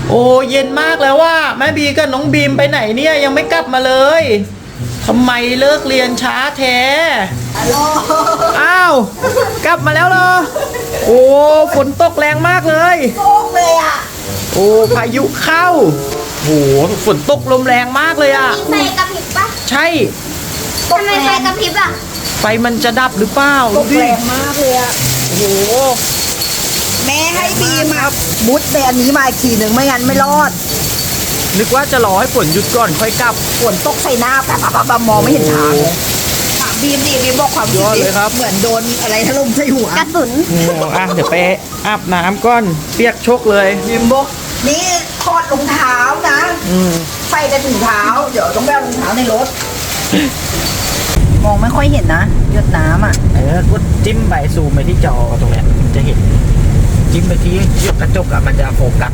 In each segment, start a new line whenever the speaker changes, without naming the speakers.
โอ้เย็นมากแล้วว่าแม่บีกับน้องบีมไปไหนเนี่ยยังไม่กลับมาเลยทำไมเลิกเรียนช้าแท้อ้าวกลับมาแล้วเหรอโอ้ฝนตกแรงมากเลย
ตกเลยอ่ะ
โอ้พายุเข้าโอ้ฝนตกลมแรงมากเลยอ่ะ
ไฟกระพริบปะ
ใช่
ทำไมไฟกระพริบอ่ะ
ไฟมันจะดับหรือเปล่า
ตกแรงมากเลยอ่ะ
โอ้โห
แม่ให้บีมามุดในอันนี้มาอีกทีหนึ่งไม่งั้นไม่รอด
นึกว่าจะรอให้ฝนหยุดก่อนค่อยกลับ
ฝนตกใส่หน้าแบบมองไม่เห็นทางเลยถามบีมดิบีมบอกความคิดดิเหมือนโดนอะไรถล่มใส่หัว
กระสุน
โอ้อ่ะเดี๋ยวไปอาบน้ำก่อนเปียกโชกเลย
บีมบอกนี่ถอดรองเท้านะใส่แต่ถุงเท้าเดี๋ยวต้องแบกรองเท้าในรถมองไม่ค่อยเห็นนะหยดน้ำอ่ะ
กดจิ้มไปซูมไปที่จอตรงเนี้ยมันจะเห็นจิ้มไปที่ยกกระจกอ่ะมันจะโฟกัส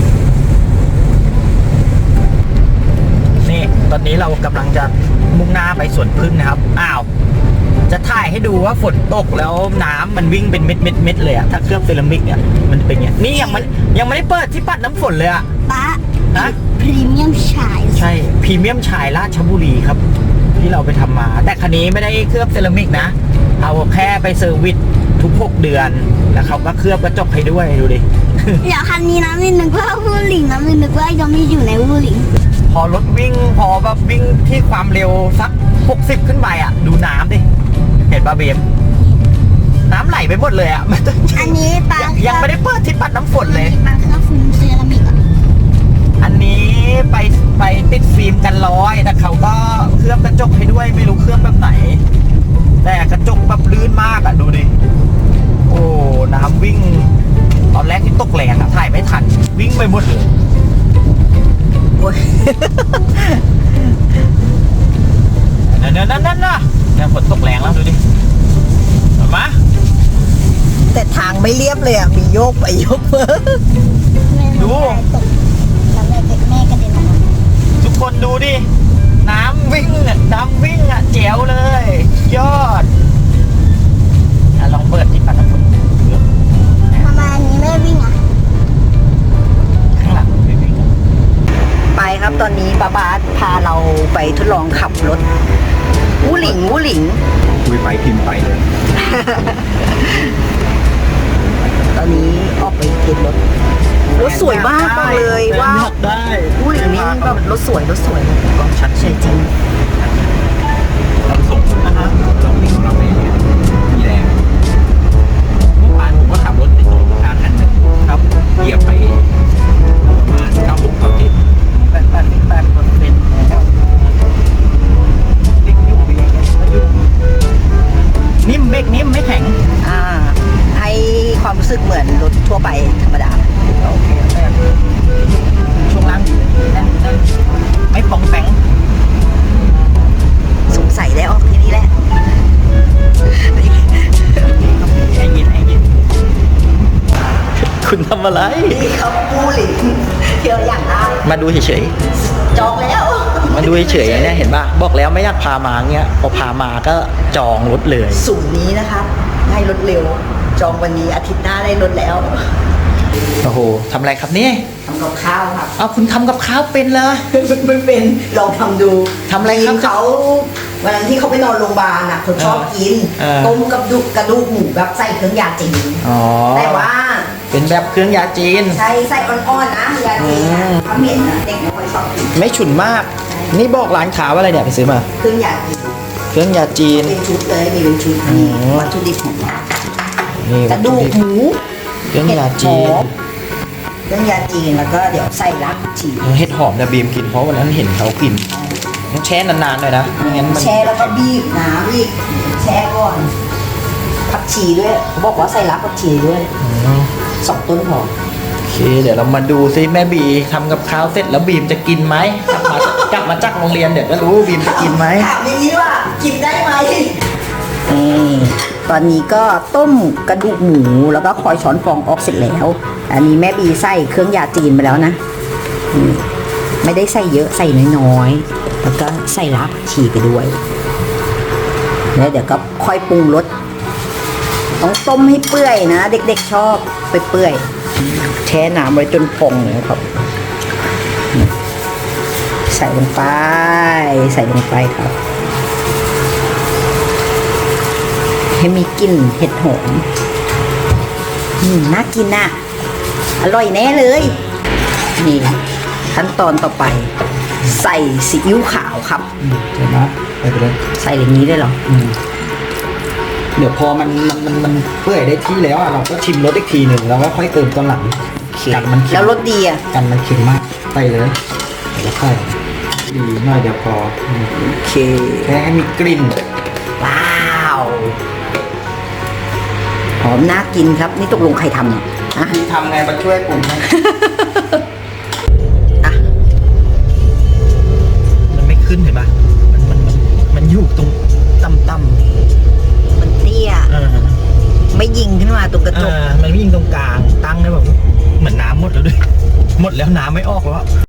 นี่ตอนนี้เรากำลังจะมุ่งหน้าไปสวนพึ่งนะครับอ้าวจะถ่ายให้ดูว่าฝนตกแล้วน้ำมันวิ่งเป็นเม็ดเลยอะถ้าเคลือบเซรามิกเนี่ยมันเป็นอย่างนี้ยังไม่ได้เปิดที่ปัดน้ำฝนเลยอะ
ป๊า
นะ
พรีเมียมชาย
ใช่พรีเมียมชายราชบุรีครับที่เราไปทำมาแต่คันนี้ไม่ได้เคลือบเซรามิกนะเอาแค่ไปเซอร์วิสทุก6 เดือนแล้วเขาก็เคลือบกระจกให้ด้วยดูดิ
เดี๋ยวคันนี้นะมินนึกว่าวูหลิงนะมินนึกว่ายังไม่อยู่ในวูหลิง
พอรถวิ่งพอแบบวิ่งที่ความเร็วสัก60ขึ้นไปอ่ะดูน้ำดิเห็นป่ะเบมน้ำไหลไปหมดเลยอ่ะ
อันนี้ปลา
ยังไม่ได้เปิดที่ปัดน้ำฝนเลย
ปลาเคลือบฟิล์มเซรามิก
อันนี้ไปติดฟิล์มกันร้อยแต่เขาก็เคลือบกระจกให้ด้วยไม่รู้เคลือบแบบไหนแต่กระจกแบบลื่นมากอ่ะดูดิโอ้น้ำวิ่งตอนแรกที่ตกแรงอ่ะถ่ายไม่ทันวิ่งไปหมดเลยนั่นเนี่ยฝนตกแรงแล้วดูดิมา
แต่ทางไม่เรียบเลยอ่ะมีโยกไปโยกมา
ดู
แล้วแม่กระเด็นออกมา
ทุกคนดูดิน้ำวิ่งอ่ะแจ๋วเลยยอดลองเปิดที่ปัดน้ำฝน
ทำไมอันนี้ไม่วิ่งอ่ะ
ข้างหลังไม่วิ่ง
ไปครับตอนนี้ป้าบาสพาเราไปทดลองขับรถวูหลิง
คุยไปพิมพ์ไปเลย
ตอนนี้ออกไปเก็บรถสวยมากบอกเลยว่าวูหลิงนี่แบบรถสวย
ก็ชัด
สวยจริง
เราส่งนะฮะเราวิ่งเราไปมีแรงเมื่อวานผมก็ขับรถในโซนทางคันหนึ่งครับเหยียบไปประมาณ98%นิ่มเบรกนิ่มไม่แข็ง
ให้ความรู้สึกเหมือนรถทั่วไปธรรมดา
โอเคช่วงล่างนั่นไม่ปองแปง
สงสัยได้ออกที่นี่แหละ
ไอ้ยินคุณทำอะไร
นี่เขาปูหลิงเที่ยวอย่างได้
มาดูเฉย
จองแล้ว
มาดูเฉยเนี่ยเห็นป่ะบอกแล้วไม่อยากพามาเงี้ยพอพามาก็จองรถเลย
สูตรนี้นะครับให้รถเร็วจองวันนี้อาทิตย์หน้าได้รถแล้ว
โอ้โหทำอะไรครับนี่
ทำกับข้าวครับ
อ้าวคุณทำกับข้าวเป็นเหรอ
ไม่เป็นลองทำดู
ทำอะไรครับ
เขาวันนั้นที่เขาไปนอนโรงพยาบาลน่ะเขาชอบกินต้มกับกระดูกหมูแบบใส่เครื่องยาจีนแต่ว่า
เป็นแบบเครื่องยาจีน
ใส่อ่อนๆนะยาจีนเขาเหม็นนะเด็กไม่ค่อยชอบกิน
ไม่ฉุนมากนี่บอกร้านค้าว่าอะไรเนี่ยไปซื้อมา
เครื่องยาจีน
เป็น
ชุดเลยมีเป็นชุดวัตถุดิบของเรากระดูกหมู
เครื่องยาจีน
แล้วก็เดี๋ยวใส่รักจี
เห็ดหอมนะบีมกินเพราะวันนั้นเห็นเขากินต้องแช่นานๆหน่อยนะไม่งั้นมัน
แช่แล้วก็บีบน้ำอีกแช่ก่อนผักชีด้วยเขาบอกว่าใส่รักผักชีด้วย2 ต้นพอ
โอเคเดี๋ยวเรามาดูซิแม่บีทำกับข้าวเสร็จแล้วบีมจะกินไหมกลับมาจากโรงเรียนเดี๋ยวก็รู้บีมจะกินไหม
ถามอย่างนี้ว่ากินได้ไหมตอนนี้ก็ต้มกระดูกหมูแล้วก็คอยช้อนฟองออกเสร็จแล้วอันนี้แม่บีใส่เครื่องยาจีนไปแล้วนะไม่ได้ใส่เยอะใส่น้อยๆแล้วก็ใส่รากผักชีไปด้วยแล้วเดี๋ยวก็ค่อยปรุงรสต้องต้มให้เปื่อยนะเด็กๆชอบไปเปื่อยแช่น้ำไว้จนพองเลยครับใส่ลงไป ใส่ลงไปครับ ให้มีกลิ่นเห็ดหอมน่ากินน่ะ อร่อยแน่เลย นี่ ขั้นตอนต่อไป ใส่ซีอิ๊วขาวครับ
ใช่ไหมไปเลย
ใส่อย่างนี้ได้เหรอ
เดี๋ยวพอมันเปื่อยได้ที่แล้วอ่ะเราก็ชิมรสอีกทีหนึ่งแล้วก็ค่อยเติมตอนหลัง
โอเค
กันมันเค็ม
แล้วรสดีอ่ะ
กันมันเค็มมากไปเลยแล้วค่อยดีหน่อยเดียวพอ
โอเค
แค่ให้มีกลิ่น
ว้าว หอมน่ากินครับ นี่ตกลงใครทำเนี่ยอะ
ทำไงมาช่วยปรุงให้
อ่ะ
มันไม่ขึ้นเห็นปะมันอยู่ตรงต่ำ
มันเตี้ย ไม่ยิงขึ้นมาตรงกระจก
มันวิ่งตรงกลางตั้งได้แบบเหมือนน้ำหมดแล้วด้วย หมดแล้วน้ำไม่ออกแล้ว